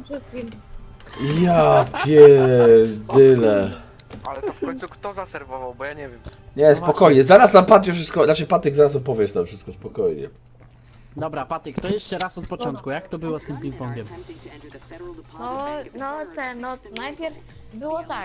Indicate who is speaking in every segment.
Speaker 1: tym wszystkim.
Speaker 2: Ja pierdyle.
Speaker 3: Ale to w końcu kto zaserwował, bo ja nie wiem.
Speaker 2: Nie, spokojnie, zaraz nam Patio wszystko, znaczy Patyk zaraz opowiesz tam wszystko, spokojnie.
Speaker 4: Dobra, Patyk, to jeszcze raz od początku, jak to było z tym ping-pongiem?
Speaker 1: No, najpierw było tak.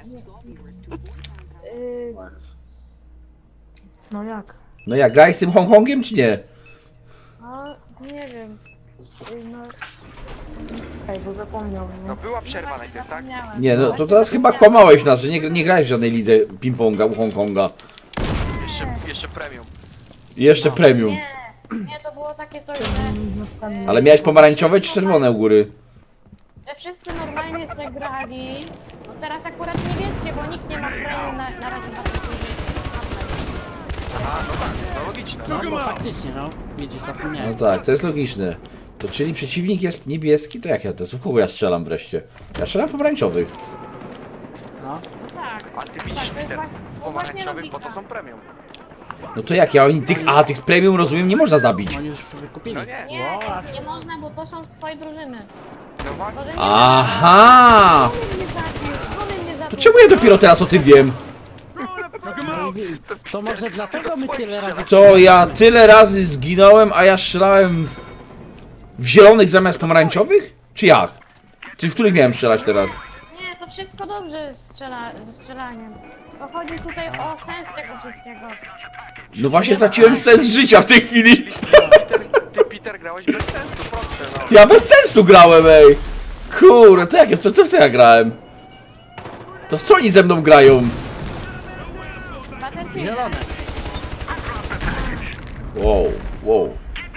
Speaker 1: No jak?
Speaker 2: No jak, grałeś z tym Hongkongiem czy nie?
Speaker 1: No, nie wiem. No... Ej, bo zapomniałem,
Speaker 3: No była przerwa najpierw, tak?
Speaker 2: Nie, no to teraz chyba kłamałeś nas, że nie grałeś w żadnej lidze ping-ponga u Hongkonga.
Speaker 3: Jeszcze premium.
Speaker 2: I jeszcze premium.
Speaker 1: Nie, to było takie coś, że...
Speaker 2: Ale miałeś pomarańczowe czy czerwone u góry?
Speaker 1: Że wszyscy normalnie sobie grali. No teraz akurat niebieskie, bo nikt nie ma premium na razie na tym.
Speaker 3: Aha, no tak, no logiczne.
Speaker 4: No bo faktycznie, no. Widzisz,
Speaker 2: No
Speaker 4: zapomniałem.
Speaker 2: tak, to jest logiczne. To czyli przeciwnik jest niebieski, to jak ja teraz? W kogo ja strzelam wreszcie? Ja strzelam w pomarańczowych.
Speaker 4: No.
Speaker 1: No tak.
Speaker 3: A ty
Speaker 1: Tak,
Speaker 3: widzisz,
Speaker 1: to jest
Speaker 3: Peter,
Speaker 1: właśnie
Speaker 3: pomarańczowych, bo to
Speaker 1: logika.
Speaker 3: są premium.
Speaker 2: No to jak ja tych premium rozumiem nie można zabić.
Speaker 4: Oni już wykupili.
Speaker 3: No nie.
Speaker 1: Nie, nie można, bo to są z twojej drużyny.
Speaker 3: No właśnie.
Speaker 1: Może nie
Speaker 2: Aha!
Speaker 1: Żony mnie zabił.
Speaker 2: To czemu ja dopiero teraz o tym wiem?
Speaker 4: To może dlatego my tyle razy...
Speaker 2: To ja tyle razy zginąłem, a ja strzelałem w zielonych zamiast pomarańczowych? Czy jak? Czy w których miałem strzelać teraz?
Speaker 1: Nie, to wszystko dobrze ze strzelaniem. To chodzi tutaj o sens tego wszystkiego.
Speaker 2: No właśnie straciłem sens życia w tej chwili.
Speaker 3: Ty, Peter, grałeś bez sensu, proste, no.
Speaker 2: Ja bez sensu grałem, ej! Kurde, to jak, co w co ja grałem? To w co oni ze mną grają?
Speaker 1: Battlefield.
Speaker 4: Zielone.
Speaker 2: Wow.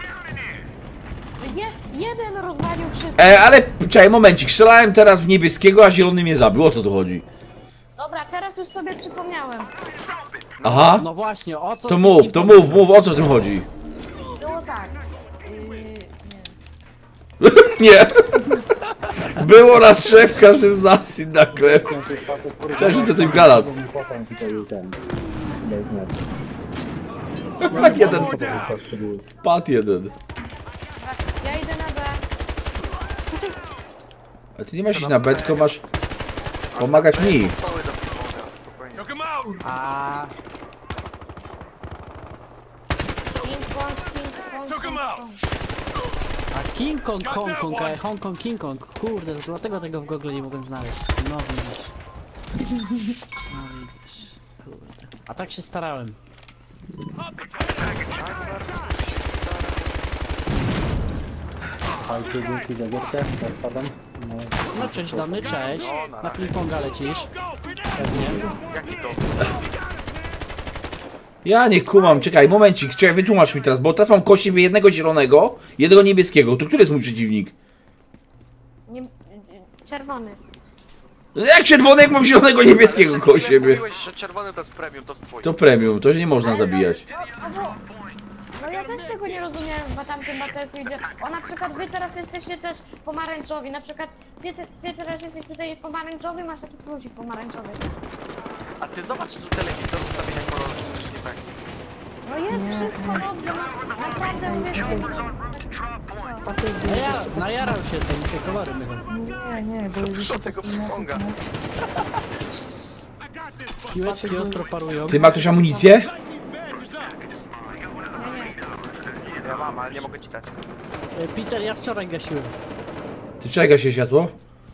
Speaker 1: Jeden rozwalił wszystko.
Speaker 2: Ale czekaj, momencik, strzelałem teraz w niebieskiego, a zielony mnie zabił, o co tu chodzi?
Speaker 1: Dobra, teraz już sobie przypomniałem.
Speaker 2: Aha,
Speaker 4: No właśnie, o co
Speaker 2: to
Speaker 4: z tym
Speaker 2: mów,
Speaker 4: ping-pongiem?
Speaker 2: o co w tym chodzi?
Speaker 1: Było tak.
Speaker 2: Nie. Było raz szef, każdy z nas inna krew. Cześć, że tym granat. Tak jeden. Pat jeden.
Speaker 1: Ja idę na B.
Speaker 2: A ty nie masz iść na B, tylko masz pomagać mi.
Speaker 3: Stoły do piłka, spokojnie.
Speaker 4: A King Kong, Hong Kong, Hong Kong, King Kong. Kurde, to dlatego tego w Google nie mogłem znaleźć. No widzisz. No widzisz. Kurde. A tak się starałem.
Speaker 5: Fajcie, dzięki za gierkę, zapadam.
Speaker 4: No cześć damy, cześć. Na ping-ponga lecisz. Pewnie.
Speaker 3: Jaki to?
Speaker 2: Ja nie kumam, czekaj, momencik, czekaj, wytłumacz mi teraz, bo teraz mam koło siebie jednego zielonego, jednego niebieskiego. To który jest mój przeciwnik?
Speaker 1: Nie, czerwony.
Speaker 2: No jak czerwony, jak mam zielonego niebieskiego koło siebie?
Speaker 3: Mówiłeś, że czerwony to jest premium, to jest twój.
Speaker 2: To premium, to nie można zabijać.
Speaker 1: No ja też tego nie rozumiem w tamtym Battlefieldzie. O na przykład wy teraz jesteście też pomarańczowi. Na przykład ty teraz jesteś tutaj pomarańczowy, masz taki plusik pomarańczowy.
Speaker 3: A ty zobacz z telewizor, ustawienia koloru, czy coś nie tak.
Speaker 1: No jest wszystko dobrze, no naprawdę mówię, że
Speaker 4: Najarał się tym, te kolory mylą.
Speaker 1: nie, bo
Speaker 3: Dużo tego ping-ponga.
Speaker 4: Piłeczki ostro parują.
Speaker 2: Ty ma ktoś amunicję?
Speaker 3: Ja mam, ale nie mogę ci dać.
Speaker 4: Peter, ja wczoraj gasiłem.
Speaker 2: Ty czeka się światło?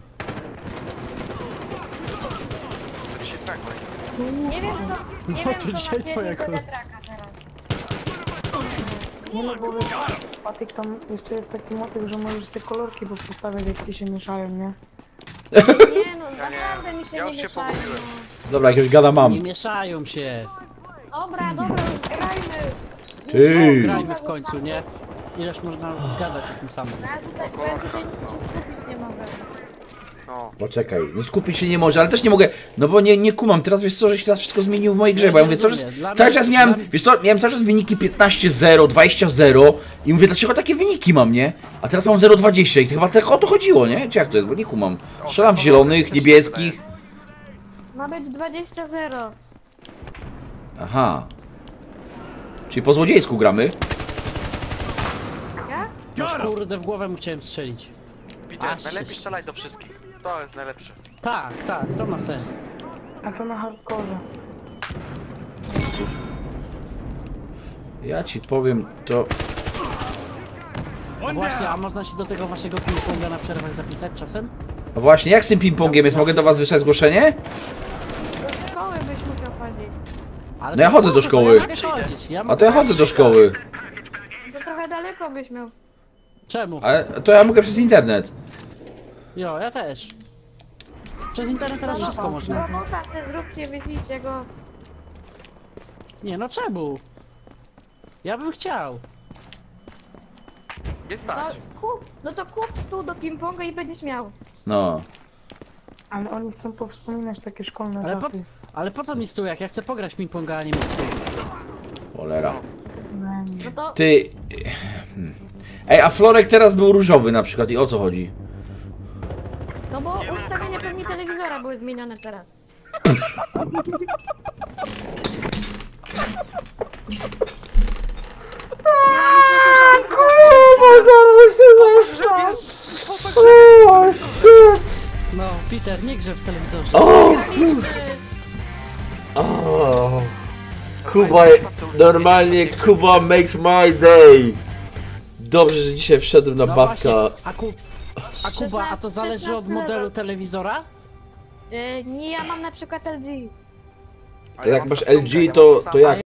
Speaker 3: To ci się tak
Speaker 1: nie wiem co, nie
Speaker 4: No
Speaker 1: wiem
Speaker 4: to
Speaker 1: co
Speaker 4: dzisiaj
Speaker 1: napierdzi
Speaker 4: twoja
Speaker 1: do
Speaker 4: kolej.
Speaker 1: wiatraka teraz.
Speaker 6: Nie no bo Patyk tam jeszcze jest taki motyw, że możesz sobie kolorki postawiać jak ci się mieszają, nie?
Speaker 1: Nie no, naprawdę mi się
Speaker 3: Ja
Speaker 1: nie
Speaker 3: już się
Speaker 1: mieszają.
Speaker 3: pogubiłem.
Speaker 2: Dobra, jakiegoś gada mam.
Speaker 4: Nie mieszają się.
Speaker 1: Dobra, grajmy.
Speaker 4: O,
Speaker 2: Ty.
Speaker 4: grajmy w końcu, nie? Ileż można gadać o tym samym.
Speaker 1: Ja tutaj się skupić nie mogę.
Speaker 3: No.
Speaker 2: Poczekaj, no skupić się nie może, ale też nie mogę, no bo nie kumam, teraz wiesz co, że się teraz wszystko zmieniło w mojej grze, bo ja mówię, cały czas miałem, wiesz co, miałem cały czas wyniki 15-0, 20-0 i mówię, dlaczego takie wyniki mam, nie? A teraz mam 0-20 i to chyba tak o to chodziło, nie? Czy jak to jest, bo nie kumam. Strzelam w zielonych, niebieskich.
Speaker 1: Ma być 20-0.
Speaker 2: Aha. Czyli po złodziejsku gramy.
Speaker 1: Ja?
Speaker 4: Noż kurde, w głowę mu chciałem strzelić.
Speaker 3: Peter,
Speaker 4: Aż
Speaker 3: najlepiej
Speaker 4: się-
Speaker 3: strzelaj do wszystkich. To jest najlepsze.
Speaker 4: Tak, to ma sens.
Speaker 6: A to na hardkorze.
Speaker 2: Ja ci powiem, to...
Speaker 4: A właśnie, a można się do tego waszego ping-ponga na przerwach zapisać czasem?
Speaker 2: A właśnie, jak z tym ping-pongiem jest? Mogę do was wysłać zgłoszenie?
Speaker 1: Do szkoły byś musiał chodzić.
Speaker 4: Ale
Speaker 2: No ja
Speaker 4: to
Speaker 2: chodzę do
Speaker 4: spoko,
Speaker 2: szkoły.
Speaker 4: To ja mogę chodzić.
Speaker 2: A to ja chodzę do szkoły.
Speaker 1: To trochę daleko byś miał.
Speaker 4: Czemu?
Speaker 2: Ale to ja mogę przez internet.
Speaker 4: Jo, ja też. Przez internet teraz wszystko można.
Speaker 1: Robota se zróbcie, wyślijcie go.
Speaker 4: Nie no, czemu? Ja bym chciał.
Speaker 3: Nie
Speaker 1: No,
Speaker 3: stać.
Speaker 1: no to kup stół do ping-ponga i będziesz miał.
Speaker 2: No.
Speaker 6: Ale oni chcą powspominać takie szkolne
Speaker 4: Ale po,
Speaker 6: czasy.
Speaker 4: ale po co mi stół, jak ja chcę pograć w ping-ponga, a nie mieć stół?
Speaker 2: Cholera.
Speaker 1: No to
Speaker 2: Ty... Ej, a Florek teraz był różowy na przykład i o co chodzi?
Speaker 1: no bo ustawienia pewnie telewizora były zmienione teraz.
Speaker 4: No, Peter, nie grze w telewizorze.
Speaker 2: O, Kuba, normalnie Kuba makes my day. Dobrze, że dzisiaj wszedłem na
Speaker 4: No
Speaker 2: Batka.
Speaker 4: właśnie, a Kuba, a to zależy od
Speaker 1: 16
Speaker 4: modelu telewizora?
Speaker 1: Nie, ja mam na przykład LG.
Speaker 2: To jak masz LG, to jak?